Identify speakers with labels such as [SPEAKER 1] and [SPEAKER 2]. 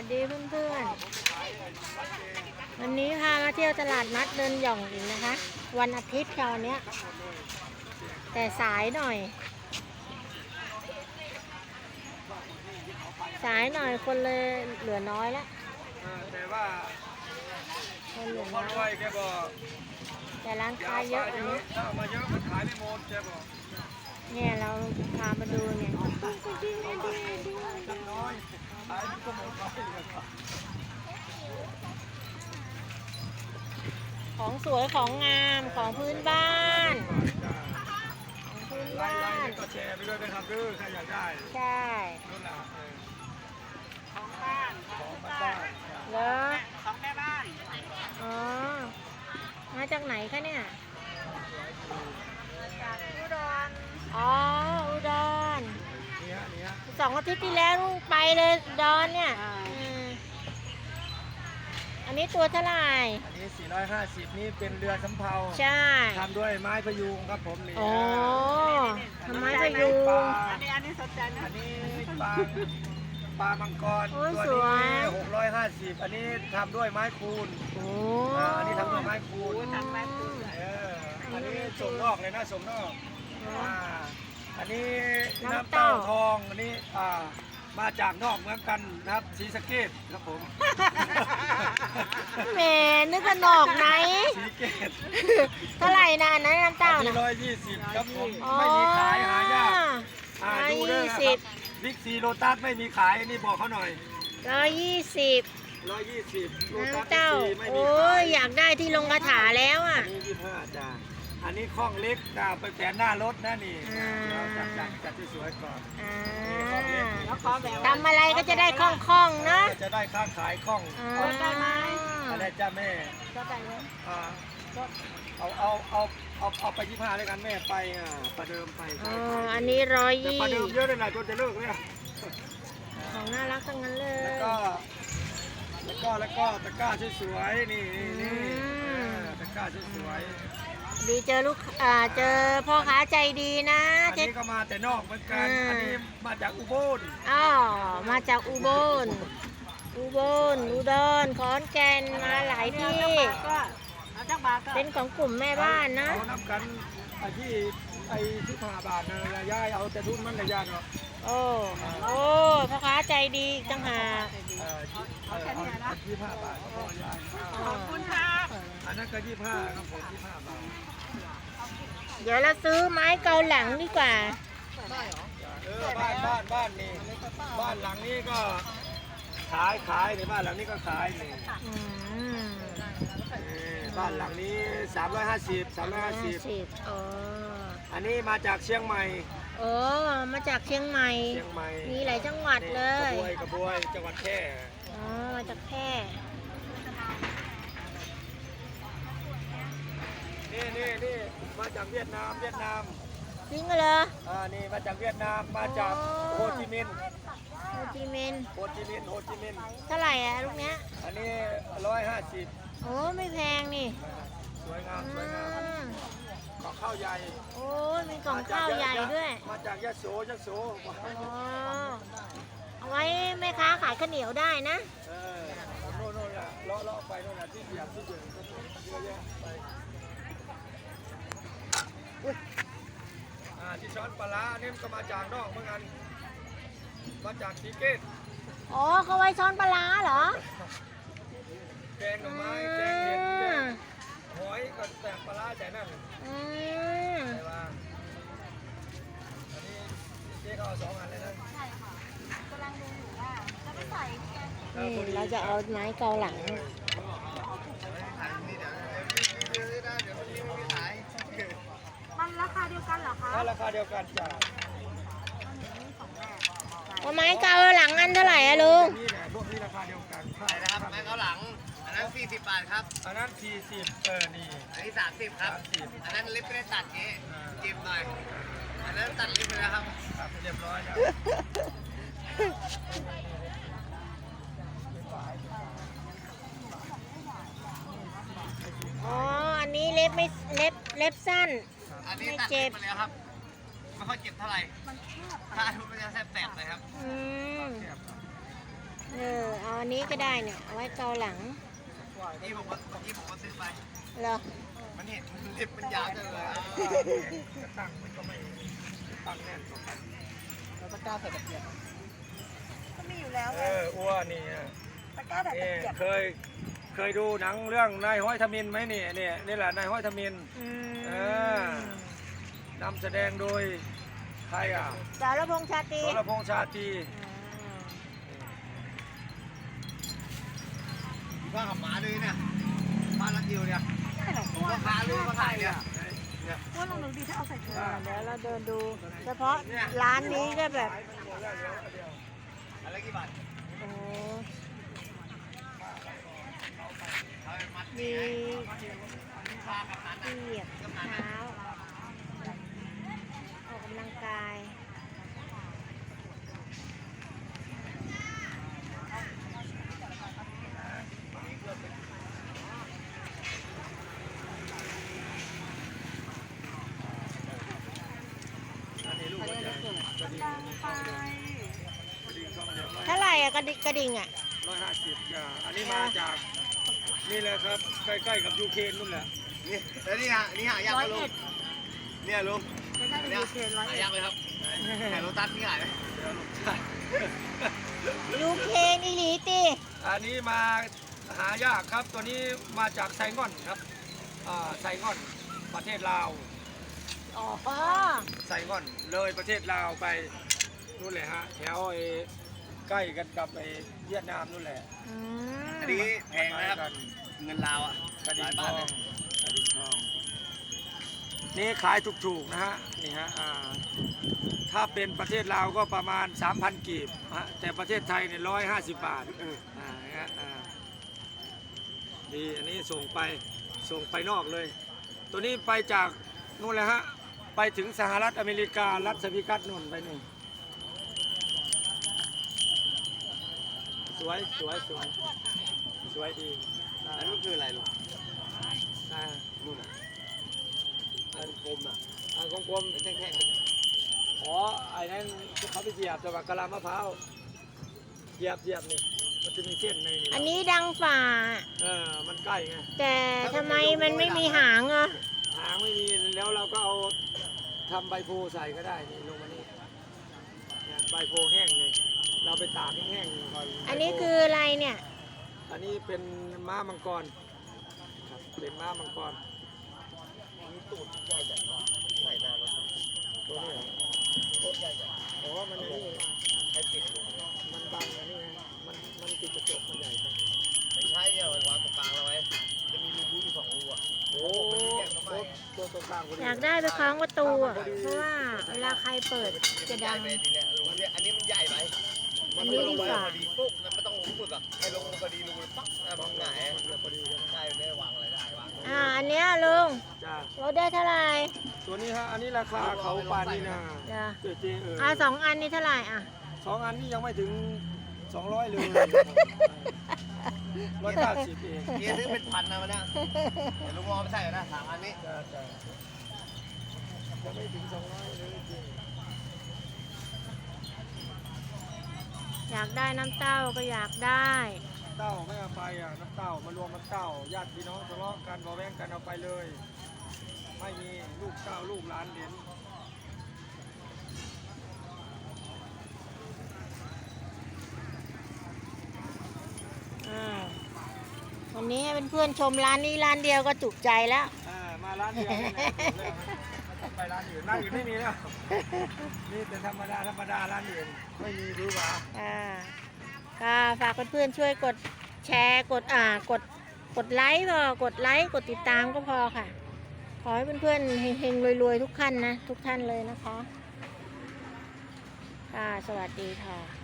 [SPEAKER 1] สดีเพื่อนๆวันนี้พามาเที่ยวตลาดนัดเดินหย่องอีกนะคะวันอาทิตย์ค่ะวันนี้แต่สายหน่อยคนเลยเหลือน้อยแล้ว
[SPEAKER 2] แต่ว่า
[SPEAKER 1] คนเหลือน้
[SPEAKER 2] พ่อรวยแกบอก
[SPEAKER 1] แต่ร้านค้าเยอะอันนี้
[SPEAKER 2] ถ้ามาเยอะมันขายไม่หมดแกบอก
[SPEAKER 1] เนี่ยเราพามาดูเนี่ย
[SPEAKER 2] น้อยขายก็หมดไป
[SPEAKER 1] ของสวยของงามของพื้นบ้าน
[SPEAKER 2] ไล่ก็แชร์ไปด้วยนะครับคือใครอยากได้
[SPEAKER 1] ใช่
[SPEAKER 2] นู่นแหละ
[SPEAKER 1] ของบ้านเหรอของแม่บ้านอ๋อมาจากไหนคะเนี่ยจากอุดรอ๋ออุดร2 อาทิตย์ที่แล้วไปเลยอุดรเนี่ยอันนี้ตัวเท่าไหร่
[SPEAKER 2] อันนี้450นี่เป็นเรือสำเภา
[SPEAKER 1] ใช่
[SPEAKER 2] ทำด้วยไม้พยุงครับผมนี่
[SPEAKER 1] อ๋อทำไม้พยุง
[SPEAKER 2] อันนี้สนใจนะอันนี้ปลามังกร
[SPEAKER 1] ตัวนี้
[SPEAKER 2] 650อันนี้ทำด้วยไม้คูนอันนี้ทำด้วยไม้คูนอันนี้ส่งนอกเลยนะส่งนอกอันนี้น้ำเต้าทองอันนี้มาจากนอกเหมือนกันนะครับศรีสะเกษครับผม
[SPEAKER 1] แหมนึกว่านอกไหน
[SPEAKER 2] ศรีสะเกษ
[SPEAKER 1] เท่าไหร่นะน้ำเต้านะ
[SPEAKER 2] 120ครับผมไม่มีขายหายากดูด้วยนะครับบิ๊กซีโลตัสไม่มีขายนี่บอกเขาหน่อย
[SPEAKER 1] 120น้ำเต้าโอ้ยอยากได้ที่ลงกระถาแล้วอ่ะ
[SPEAKER 2] อันนี้25จ้าอันนี้ข้องเล็กไปแขวนหน้ารถนะนี่จัดที่สวยก่อน
[SPEAKER 1] ทำอะไรก็จะได้คล่องๆเนาะ
[SPEAKER 2] จะได้ค้าขายคล่อง
[SPEAKER 1] ได้ไหม
[SPEAKER 2] อะไรจ้าแม่เอาไป25เลยกันแม่ไปประเดิมไป
[SPEAKER 1] อันนี้120
[SPEAKER 2] ประเดิมเยอะเลยนะจนจะเลิกเลย
[SPEAKER 1] ของน่ารักทั้งนั้นเลย
[SPEAKER 2] แล้วก็ตะกร้าสวยๆนี่ตะกร้าสวย
[SPEAKER 1] ดีเจอเจอพ่อค้าใจดีนะ
[SPEAKER 2] อันนี้ก็มาแต่นอกเหมือนกันอันนี้มาจากอุบล
[SPEAKER 1] มาจากอุบลอุดรขอนแก่นมาหลายที่เป็นของกลุ่มแม่บ้านนะ
[SPEAKER 2] เขานับกันที่15 บาทนะยายเอาแต่ทุนมันเลยยายเนาะ
[SPEAKER 1] โอ้พ่อค้าใจดีจังหา
[SPEAKER 2] เอาแค่นี้นะ25 บาท
[SPEAKER 1] ขอบคุณครับ
[SPEAKER 2] อันนั้นก็25ครับผม25 บาท
[SPEAKER 1] เดี๋ยวเราซื้อไม้เกาหลังดีกว่า
[SPEAKER 2] บ้านนี่บ้านหลังนี้ก็ขายในบ้านหลังนี้ก็ขายนี่บ้านหลังนี้350อันนี้มาจากเชียงใหม่
[SPEAKER 1] มาจากเชียงใหม่มีหลายจังหวัดเลย
[SPEAKER 2] กระบวยจังหวัดแพร่
[SPEAKER 1] มาจากแพร่
[SPEAKER 2] นี่มาจากเวียดนาม
[SPEAKER 1] จริงเหรอ
[SPEAKER 2] นี่มาจากเวียดนามมาจากโฮจิมินห์
[SPEAKER 1] เท่าไหร่ลูกเนี้ย
[SPEAKER 2] อันนี้150
[SPEAKER 1] ไม่แพงนี่
[SPEAKER 2] สวยงามของข้าวใหญ่
[SPEAKER 1] มีกล่องข้าวใหญ่ด้วย
[SPEAKER 2] มาจากยะโส
[SPEAKER 1] เอาไว้แม่ค้าขายข้าวเหนียวได้นะ
[SPEAKER 2] โน่นเลาะไปโน่นที่เดียบที่เดิมก็เยอะแยะไปที่ช้อนปลาเนี่ยก็มาจากนอกเหมือนกันมาจากศรีสะเกษ
[SPEAKER 1] เขาไว้ช้อนปลาเหรอ
[SPEAKER 2] แกงหน่อไม้แกงเห็ดหอยก็แต่ปลาใส่นั่นใช่ป่ะอันนี้เจ๊เขาเอา2 อันเลยนะใช่ค่ะกำลังดูอยู่ว่าจะไม่ใส่
[SPEAKER 1] เราจะเอาไม้เกาหลังมันราคาเดียวกันเหรอคะ
[SPEAKER 2] ราคาเดียวกันจ้ะ
[SPEAKER 1] ไม้เกาหลังอันเท่าไหร่อะลุง
[SPEAKER 2] พวกนี้ราคาเดียวกัน
[SPEAKER 3] ใช่นะครับไม้เกาหลังอันนั้น40 บาทครับ
[SPEAKER 2] อันนั้น40นี่
[SPEAKER 3] อันนี้30ครับอันนั้นลิฟต์ไม่ได้ตัดนี้จิ้มหน่อยอันนั้นตัดลิฟต์ไปแล้วครับ
[SPEAKER 2] เรียบร้อยแล้ว
[SPEAKER 1] อันนี้เล็บสั้น
[SPEAKER 3] อันนี้ตัดลิฟต์ไปแล้วครับไม่ค่อยเจ็บเท่าไหร่ถ้าทุบมันจะแสบเลยครับ
[SPEAKER 1] เอาอันนี้ก็ได้เนี่ยเอาไว้เกาหลัง
[SPEAKER 3] นี่ผมว่าเมื่อกี้ผมก็ซื้อไป
[SPEAKER 1] เหรอ
[SPEAKER 3] มันเห็นเล็บมันยาวจังเลย
[SPEAKER 2] ตั้งมันก็ไม่ตั้งแน่น
[SPEAKER 3] แล้วตะกร้าใส่ตะเกียบ
[SPEAKER 4] ก็มีอยู่แล้วไง
[SPEAKER 2] อ้วนนี่
[SPEAKER 4] ตะกร้าแต่ตะเกียบ
[SPEAKER 2] เคยดูหนังเรื่องนายห้อยทมินไหมนี่นี่แหละนายห้อยทมิน
[SPEAKER 1] อืม
[SPEAKER 2] นำแสดงโดยใครอ่ะ
[SPEAKER 1] สารพงษ์ชาตรี
[SPEAKER 2] สรพงษ์ชาตรี
[SPEAKER 3] ว่าขับหมาเลยเนี่ยบ้านรักเดียวเนี่ยผมก็พาลูกมาถ่ายเนี่ย
[SPEAKER 4] ว่าลองดูดีถ้าเอาใส่ถุง
[SPEAKER 1] เดี๋ยวเราเดินดู เฉพาะร้านนี้ก็แบบ
[SPEAKER 3] อะไรกี่บาท
[SPEAKER 1] โอ้โห
[SPEAKER 3] เอาไปมัด
[SPEAKER 1] มี
[SPEAKER 3] พากับนั้น
[SPEAKER 1] ที่เหยียบเท้าออกกำลังกาย เท่าไหร่อะกระดิ่งอะ
[SPEAKER 2] 150จ้ะอันนี้มาจากนี่แหละครับใกล้ๆกับยูเครนนู่นแหละ
[SPEAKER 3] นี่แล้วนี่ฮะนี่หายากไหมลุงเนี่ยลุง
[SPEAKER 4] ไม่ได้
[SPEAKER 3] เนี่ย
[SPEAKER 4] ดูเทรนร้อย
[SPEAKER 3] หา
[SPEAKER 4] เอ็ด
[SPEAKER 3] ยากไหมครับแต่โรตัสนี่หายไหม
[SPEAKER 1] ยูเครนอีหลีตี
[SPEAKER 2] อันนี้มาหายากครับตัวนี้มาจากไซงอนครับไซงอนประเทศลาว
[SPEAKER 1] อ๋อ
[SPEAKER 2] ไซงอนเลยประเทศลาวไปนู่นแหละฮะแถวใกล้กันกับเวียดนามนู่นแหละ
[SPEAKER 1] อืม
[SPEAKER 3] อันนี้แพงนะครับ
[SPEAKER 2] กัน
[SPEAKER 3] เงินลาวอ่ะ
[SPEAKER 2] กระ
[SPEAKER 3] ห
[SPEAKER 2] ดิ่
[SPEAKER 3] ลาง ย
[SPEAKER 2] ท
[SPEAKER 3] บา
[SPEAKER 2] อ
[SPEAKER 3] ท
[SPEAKER 2] ง
[SPEAKER 3] เลย
[SPEAKER 2] กระดิ่งทองนี่ขายถูกๆนะฮะนี่ฮะถ้าเป็นประเทศลาวก็ประมาณ 3,000 กีบฮะแต่ประเทศไทยเนี่ย150 บาทฮะดีอันนี้ส่งไปนอกเลย ตัวนี้ไปจากนู่นเลยฮะไปถึงสหรัฐอเมริการัฐสวิกัตนู่นไปนู่นสวยดี
[SPEAKER 3] อันนี้คืออะไรลุง
[SPEAKER 2] อ่า
[SPEAKER 3] นู่นอ่ะอันกลมอ่ะ
[SPEAKER 2] กลม
[SPEAKER 3] เป็นแท่ง
[SPEAKER 2] ๆอ๋อไอ้นั่นเขาไปเหยียบจังหวะกะลามะพร้าวเหยียบนี่มันจะมีเส้นใน
[SPEAKER 1] อันนี้ดังฝ่า
[SPEAKER 2] มันใกล้ไง
[SPEAKER 1] แต่ทำไมมันไม่มีหางอ่ะ
[SPEAKER 2] หางไม่มีแล้วเราก็เอาทำใบโพใส่ก็ได้นี่ลงมานี่เนี่ยใบโพแห้งเลยเราไปตากให้แห้งก่อน
[SPEAKER 1] อันนี้คืออะไรเนี่ย
[SPEAKER 2] อันนี้เป็นม้ามังกรครับเป็นม้ามังกร
[SPEAKER 3] มีตูดใหญ่จังใส่นานแล้ว
[SPEAKER 2] ตัวนี้เหรอ
[SPEAKER 3] โคตรใหญ่จัง
[SPEAKER 2] อ๋อมันนี่
[SPEAKER 3] ใช้ติด
[SPEAKER 2] มันบังอันนี้ไงมันติดกระจกมันใหญ่ไป
[SPEAKER 3] ไม่ใช่เนี่ยวางตรงกลางเราไว้จะมีรูอยู่2 รูอ่ะ
[SPEAKER 2] โอ้ตัวตรงกลางพอดี
[SPEAKER 1] อยากได้ไปคล้องประตูอ่ะ เพราะว่าเวลาใครเปิดจะดัง
[SPEAKER 3] ไปทีเนี้ยรูเนี่ยอันนี้มันใหญ่ไป
[SPEAKER 1] อันนี้ดีกว่า
[SPEAKER 3] พอดีปุ๊บแล้วไม่ต้องลงปุ๊บอ่ะให้ลงพอดีรูปั๊บแล้วมองหงาย
[SPEAKER 2] พอดีกัน
[SPEAKER 3] ได้ไม่ได้วางอะไรได้วาง
[SPEAKER 1] อันเนี้ยลุง
[SPEAKER 2] จ้า
[SPEAKER 1] ลดได้เท่าไหร่
[SPEAKER 2] ตัวนี้ฮะอันนี้ราคาเขาปานีนา
[SPEAKER 1] จ้ะ
[SPEAKER 2] เจ๊
[SPEAKER 1] 2 อันนี้เท่าไหร่อ่ะ
[SPEAKER 2] 2 อันนี้ยังไม่ถึง200เลย180เอง
[SPEAKER 3] เกียร์ซื้อเป็นพันนะวันนี้เดี๋ยวลุงรอไปใส่นะ3 อันนี้
[SPEAKER 2] จ้ายังไม่ถึง200เลยจริง
[SPEAKER 1] อยากได้น้ำเต้าก็อยากได้
[SPEAKER 2] เต้าไม่เอาไปอ่ะน้ำเต้ามารวมน้ำเต้าญาติพี่น้องทะเลาะกันบอแว้งกันเอาไปเลย ไม่มีลูกเต้าลูกหลานเหรียญ
[SPEAKER 1] วันนี้ให้เพื่อนๆชมร้านนี้ร้านเดียวก็จุใจแล้ว
[SPEAKER 2] มาร้านเดียวนี่แหละไปร้านอื่นไม่มีแล้วนี่แต่ธรรมดาร้านอื่นไม่มีหรือเปล่า
[SPEAKER 1] ก็ฝากเพื่อนๆช่วยกดแชร์กดไลค์กดไลค์กดติดตามก็พอค่ะ ขอให้เพื่อนๆเฮงๆรวยๆทุกท่านเลยนะคะค่ะสวัสดีค่ะ